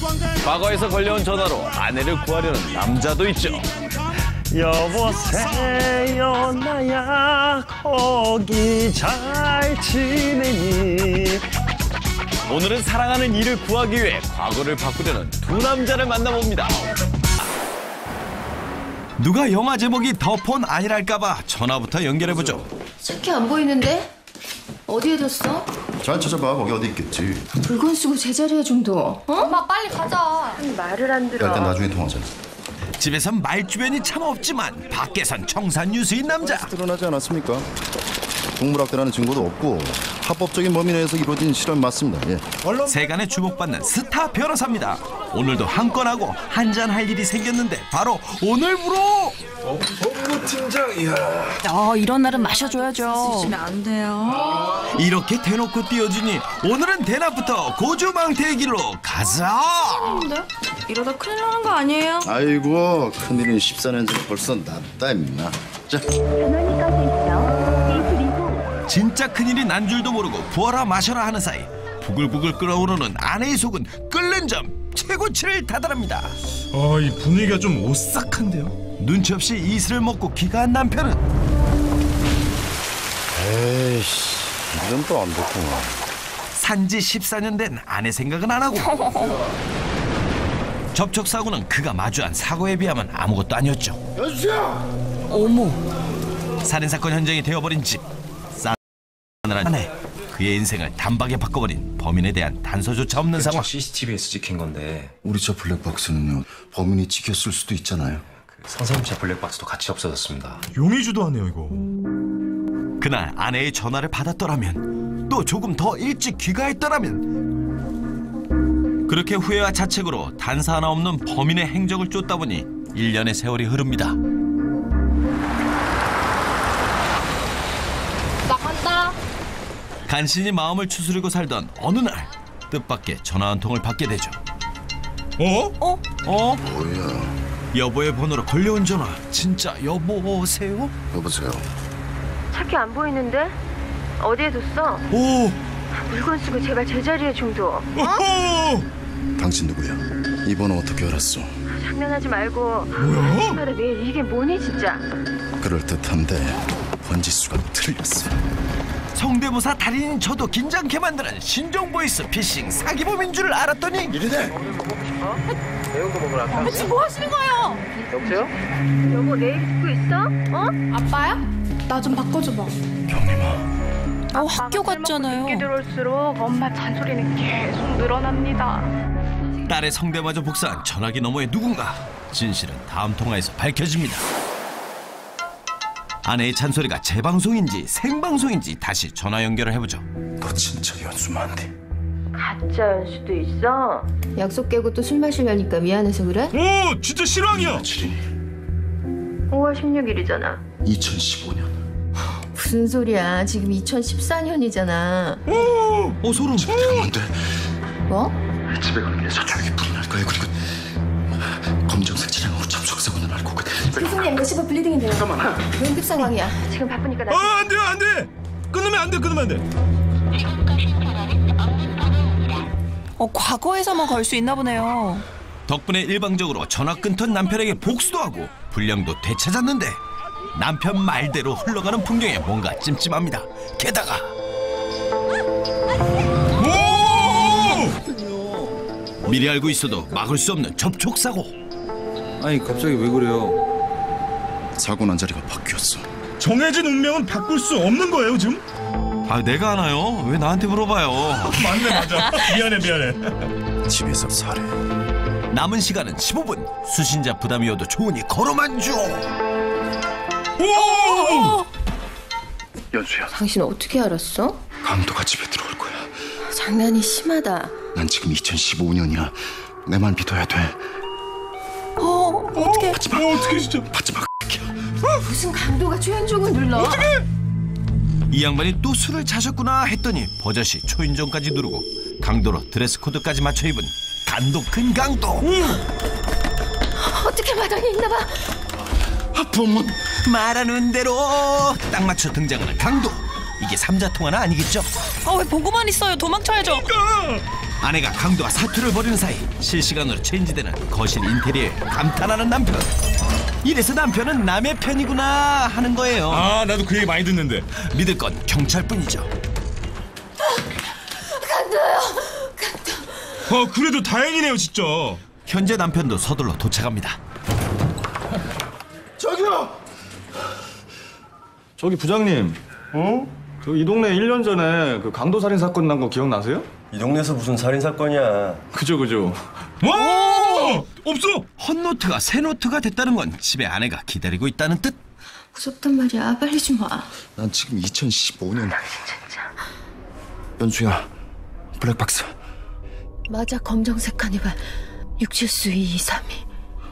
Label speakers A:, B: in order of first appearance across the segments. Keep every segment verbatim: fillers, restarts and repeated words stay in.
A: 과거에서 걸려온 전화로 아내를 구하려는 남자도 있죠.
B: 여보세요 나야 거기 잘 지내니.
A: 오늘은 사랑하는 이를 구하기 위해 과거를 바꾸려는 두 남자를 만나봅니다. 누가 영화 제목이 더 폰 아니랄까봐 전화부터 연결해보죠.
C: 차키 안 보이는데? 어디에 뒀어?
D: 잘 찾아봐. 거기 어디 있겠지.
C: 물건 쓰고 제자리에 좀 둬. 어?
E: 엄마 빨리 가자.
C: 말을 안 들어.
D: 일단 나중에 통화하자.
A: 집에선 말주변이 참 없지만 밖에선 청산유수인 남자.
D: 드러나지 않았습니까? 동물학대라는 증거도 없고 합법적인 범위 내에서 이루어진 실험 맞습니다. 예.
A: 세간에 주목받는 스타 변호사입니다. 오늘도 한 건 하고 한잔 할 일이 생겼는데 바로 오늘부로.
F: 어, 법무팀장, 이야.
E: 어, 이런 날은 마셔줘야죠.
C: 쓰시면 안 돼요.
A: 이렇게 대놓고 띄워주니 오늘은 대낮부터 고주망태의 길로 가자.
C: 근데 이러다 큰일 나는 거 아니에요?
D: 아이고 큰일은 십사 년 전에 벌써 났다 임마. 자.
A: 진짜 큰일이 난 줄도 모르고 부어라 마셔라 하는 사이 부글부글 끓어오르는 아내의 속은 끓는 점 최고치를 다달합니다.
F: 아, 이 분위기가 좀 오싹한데요?
A: 눈치 없이 이슬을 먹고 귀가한 남편은
D: 에이씨 이건 또 안 됐구나.
A: 산지 십사 년 된 아내 생각은 안 하고 접촉사고는 그가 마주한 사고에 비하면 아무것도 아니었죠.
D: 여주야!
A: 어머. 살인사건 현장이 되어버린 집. 싸늘한 아내. 그의 인생을 단박에 바꿔버린 범인에 대한 단서조차 없는 상황.
G: 씨씨티비에서 찍힌 건데
D: 우리 저 블랙박스는요 범인이 찍혔을 수도 있잖아요.
G: 그 성세훈 블랙박스도 같이 없어졌습니다.
F: 용의 주도하네요 이거.
A: 그날 아내의 전화를 받았더라면 또 조금 더 일찍 귀가했더라면. 그렇게 후회와 자책으로 단서 하나 없는 범인의 행적을 쫓다 보니 일 년의 세월이 흐릅니다.
E: 나간다.
A: 간신히 마음을 추스리고 살던 어느 날 뜻밖의 전화 한 통을 받게 되죠.
F: 어?
A: 어? 어?
D: 뭐야?
A: 여보의 번호로 걸려온 전화. 진짜 여보세요?
D: 여보세요.
C: 차키 안 보이는데? 어디에 뒀어?
A: 오!
C: 물건 쓰고 제발 제자리에 좀 둬.
F: 어허!
D: 당신 누구야? 이 번호 어떻게 알았어?
C: 장난하지 말고.
F: 뭐야?
C: 아침마다 매일 이게 뭐니 진짜.
D: 그럴듯한데 번지수가 틀렸어.
A: 성대모사 달인인 저도 긴장케 만드는 신종보이스 피싱 사기범인 줄 알았더니
D: 이리네.
E: 지금 뭐 하시는 거예요?
C: 여보세요? 여보 내일 듣고 있어? 어?
E: 아빠야? 나 좀 바꿔줘봐.
D: 경림아.
E: 어, 학교 갔잖아요.
H: 늦게 들어올수록 엄마 잔소리는 계속 늘어납니다.
A: 딸의 성대마저 복사한 전화기 너머의 누군가. 진실은 다음 통화에서 밝혀집니다. 아내의 잔소리가 재방송인지 생방송인지 다시 전화 연결을 해보죠.
D: 너 진짜 연수만데.
C: 가짜 연수도 있어? 약속 깨고 또 술 마시려니까 미안해서 그래?
F: 오, 진짜 실황이야.
D: 며칠이니?
C: 오월 십육일이잖아.
D: 이천십오 년.
C: 무슨 소리야? 지금 이천십사 년이잖아.
F: 오,
A: 어 소름.
D: 들으면 안 돼.
C: 뭐?
D: 집에 가는 길에 저쪽에 불이 날 거야. 그리고 검정색 차량으로 접촉사고는 날 거거든.
C: 교수님 몇십번 블리딩인데요. 잠깐만. 응급 상황이야. 지금 바쁘니까 나.
F: 아, 안 돼요, 안 돼. 끊으면 안 돼, 끊으면 안 돼.
E: 어, 과거에서만 걸 수 있나 보네요.
A: 덕분에 일방적으로 전화 끊던 남편에게 복수도 하고 분량도 되찾았는데 남편 말대로 흘러가는 풍경에 뭔가 찜찜합니다. 게다가 미리 알고 있어도 막을 수 없는 접촉사고.
I: 아니 갑자기 왜 그래요?
D: 사고 난 자리가 바뀌었어.
F: 정해진 운명은 바꿀 수 없는 거예요 지금?
A: 아 내가 하나요? 왜 나한테 물어봐요?
F: 맞네 맞아. 미안해 미안해.
D: 집에서 살해.
A: 남은 시간은 십오 분. 수신자 부담이어도 좋으니 걸어만 줘.
F: 오!
D: 연수야.
C: 당신 어떻게 알았어?
D: 강도가 집에 들어올 거야.
C: 장난이 심하다.
D: 난 지금 이천십오 년이야. 내 말 믿어야 돼.
E: 어, 어떡해.
D: 받지 마.
F: 어, 어떻게 진짜?
D: 받지 마.
C: 무슨 강도가 초인종을 눌러?
A: 이 양반이 또 술을 자셨구나 했더니 버젓이 초인종까지 누르고 강도로 드레스 코드까지 맞춰 입은 간도 큰 강도.
F: 음.
C: 어떻게 마당에 있나봐.
D: 아, 범은
A: 말하는 대로 딱 맞춰 등장하는 강도. 이게 삼자통화는 아니겠죠?
E: 아, 왜 보고만 있어요? 도망쳐야죠.
A: 아내가 강도와 사투를 벌이는 사이 실시간으로 체인지되는 거실 인테리어에 감탄하는 남편. 이래서 남편은 남의 편이구나 하는 거예요.
F: 아, 나도 그 얘기 많이 듣는데.
A: 믿을 건 경찰뿐이죠.
C: 간도요.
F: 어, 그래도 다행이네요, 진짜.
A: 현재 남편도 서둘러 도착합니다.
I: 저기요! 저기 부장님. 어? 저 이 동네 일 년 전에 그 강도 살인 사건 난 거 기억나세요?
J: 이 동네에서 무슨 살인 사건이야.
I: 그죠 그죠.
F: 와! 없어!
A: 헛노트가 새노트가 됐다는 건 집에 아내가 기다리고 있다는 뜻.
C: 무섭단 말이야. 빨리 좀 와.
D: 난 지금 이천십오 년. 연수야, 블랙박스.
C: 맞아. 검정색 카니발. 육칠수 이이삼이.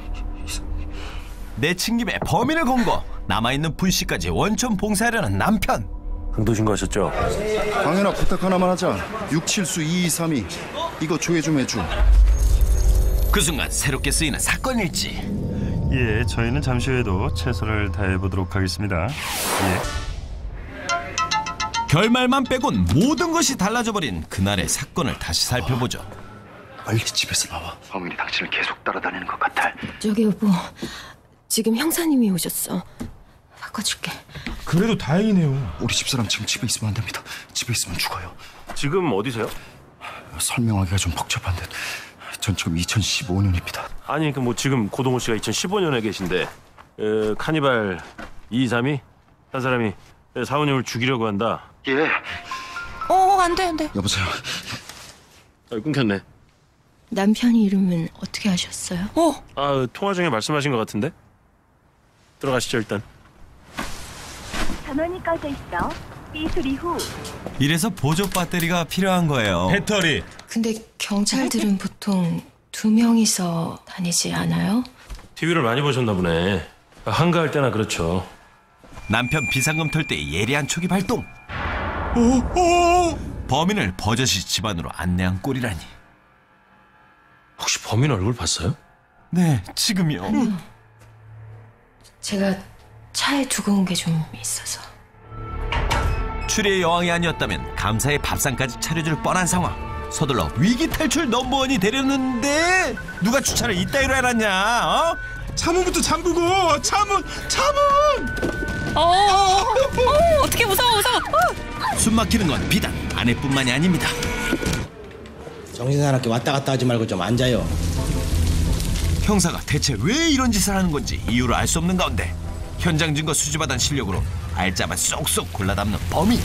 A: 내친 김에 범인을 검거. 남아있는 분씨까지 원천 봉사하려는 남편.
J: 강도 신고하셨죠?
D: 강현아, 부탁 하나만 하자. 육칠수 이이삼이. 이거 조회 좀 해줘.
A: 그 순간 새롭게 쓰이는 사건일지.
B: 예, 저희는 잠시 후에도 최선을 다해보도록 하겠습니다. 예.
A: 결말만 빼곤 모든 것이 달라져버린 그날의 사건을 다시 살펴보죠.
D: 빨리 집에서 나와. 범인이 당신을 계속 따라다니는 것 같아.
C: 저기 여보. 지금 형사님이 오셨어. 바꿔줄게.
F: 그래도 다행이네요.
D: 우리 집사람 지금 집에 있으면 안 됩니다. 집에 있으면 죽어요.
J: 지금 어디세요?
D: 설명하기가 좀 복잡한데 전 지금 이천십오 년입니다.
J: 아니, 그 뭐 지금 고동호 씨가 이천십오 년에 계신데 에, 카니발 이이삼이 한 사람이 사원님을 죽이려고 한다.
D: 예.
E: 어, 안 돼, 안 돼.
D: 여보세요.
J: 아, 끊겼네.
C: 남편이 이름은 어떻게 아셨어요?
E: 어,
J: 아, 통화 중에 말씀하신 것 같은데? 들어가시죠, 일단.
H: 전원이 꺼져 있어. 삐 소리 후.
A: 이래서 보조 배터리가 필요한 거예요.
F: 배터리.
C: 근데 경찰들은 보통 두 명이서 다니지 않아요?
J: 티비를 많이 보셨나 보네. 한가할 때나 그렇죠.
A: 남편 비상금 털 때 예리한 촉이 발동.
F: 오, 오!
A: 범인을 버젓이 집안으로 안내한 꼴이라니.
J: 혹시 범인 얼굴 봤어요?
A: 네, 지금이요.
C: 아니요. 제가 차에 두고 온 게 좀 있어서.
A: 추리의 여왕이 아니었다면 감사의 밥상까지 차려줄 뻔한 상황. 서둘러 위기 탈출 넘버원이 되려는데 누가 주차를 이따위로 해놨냐? 어?
F: 차문부터 잠그고. 차문! 차문!
E: 어, 어, 어, 어떻게 무서워, 무서워. 어.
A: 숨 막히는 건 비단 아내뿐만이 아닙니다.
K: 정신사납게 왔다 갔다 하지 말고 좀 앉아요.
A: 형사가 대체 왜 이런 짓을 하는 건지 이유를 알 수 없는 가운데 현장 증거 수집하던 실력으로 알짜만 쏙쏙 골라 담는 범인.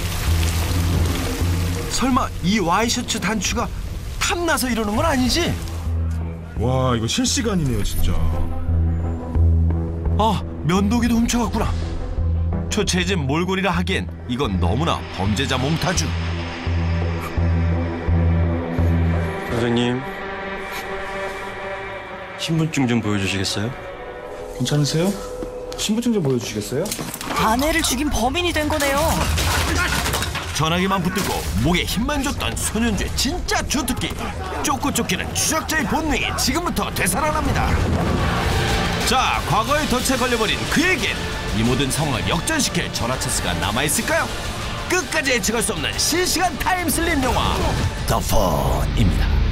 A: 설마 이 와이셔츠 단추가 탐나서 이러는 건 아니지?
F: 와, 이거 실시간이네요, 진짜.
A: 아, 면도기도 훔쳐갔구나. 초췌해진 몰골이라 하기엔 이건 너무나 범죄자 몽타주.
J: 선생님, 신분증 좀 보여주시겠어요?
I: 괜찮으세요? 신분증 좀 보여주시겠어요?
E: 아내를 죽인 범인이 된 거네요.
A: 전화기만 붙들고 목에 힘만 줬던 소년주의 진짜 주특기. 쫓고 쫓기는 추적자의 본능이 지금부터 되살아납니다. 자, 과거의 덫에 걸려버린 그에겐 이 모든 상황을 역전시킬 전화체스가 남아있을까요? 끝까지 예측할 수 없는 실시간 타임슬립 영화 더 폰입니다.